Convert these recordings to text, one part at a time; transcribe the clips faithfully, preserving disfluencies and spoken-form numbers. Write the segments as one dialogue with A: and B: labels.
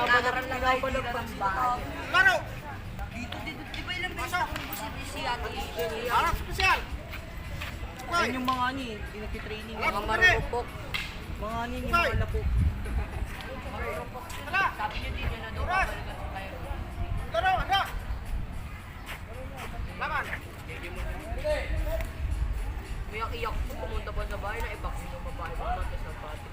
A: Nagkakaroon lang kayo dito ng bahay.
B: Laro!
A: Dito, dito, di ba ilang beses ako busi-busi ate?
B: Harap special!
C: Yan yung mga ani, hindi nagtitraining.
B: Harap
C: Mga
B: special!
C: marupok. Mga ani, yung mga lapok.
B: Hala!
A: Sabi niyo din yun na daw
B: Oras!
A: babalikan ko kayo.
B: Laro! Hala! Laban!
A: Umiyak-iyak po, pumunta pa sa bahay na i-vaccine yung babae ko natin sa pati.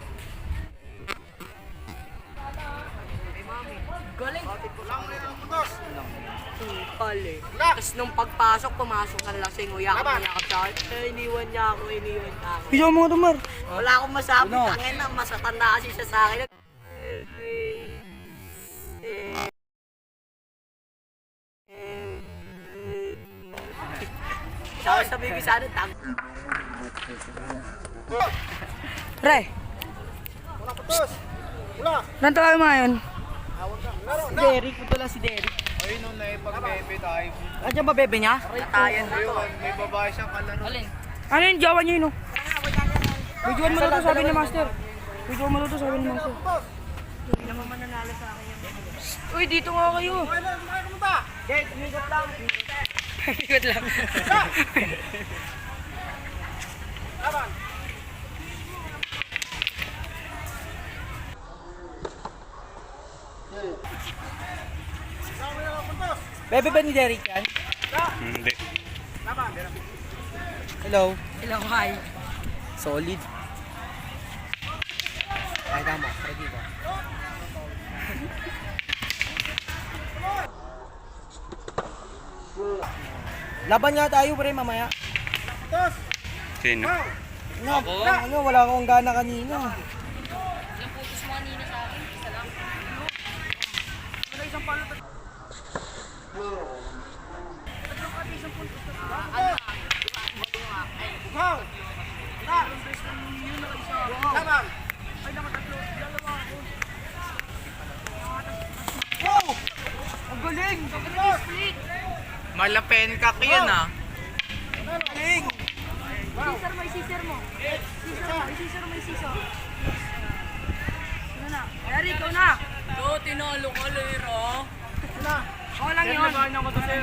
A: Ay mami, galing.
B: Lang mo yung putos!
A: Tupal eh.
B: Wala!
A: Tapos nung pagpasok, pumasok ng lasing. Uyak
B: Laban.
A: uyak sa akin. Eh, iniwan niya ako, iniwan niya ako.
C: Video mo ito, Mar.
A: Wala akong masabi,
C: Ano?
A: tangin na, masatanda kasi siya sa akin. Tapos sabi ko sa ano, tang.
C: Pre,
B: Wala putos! Wala!
C: nanto kayo mga yun?
B: Laro!
C: Si
B: Na!
C: Derek, ito lang si Derek.
B: Ayun nung naipag-bebe tayo.
C: Andiyan ba bebe niya?
A: Natayan na to.
B: Ayun, may babae siyang kalaro.
A: Alin?
C: Ano yung jowa niya yun? Oh? Videoan mo na to, sabi ni Master. Videoan mo na to, sabi ni Master.
B: Putos!
A: Hindi naman mananalo sa akin yung
C: Uy, dito nga kayo.
B: Okay na, hindi kayo kumunta!
A: Gate, umikot lang.
C: Ikot lang.
B: Laban! Lang mo yung putos!
C: Bebe ba ni Derek yan?
D: Hindi.
B: Laban!
C: Hello.
A: Hello, hi.
C: Solid. Ay, tama. Ready ba? Laban nga tayo, pre, mamaya.
B: Putos!
D: Sino?
B: Wow!
C: Ano, ano, wala akong gana kanina.
A: Ilang putos mo kanina sa akin? Isa lang.
B: Wow! Na! Laban! Wow!
C: Ang galing!
B: Putos!
C: Malapen ka yun ah.
B: Galing! Wow!
A: Scissor mo, scissor mo. Scissor mo, scissor mo, scissor. Ano na? Eric, ikaw na. Do, tinalo ka, Lera.
B: Na!
C: Okay lang yun.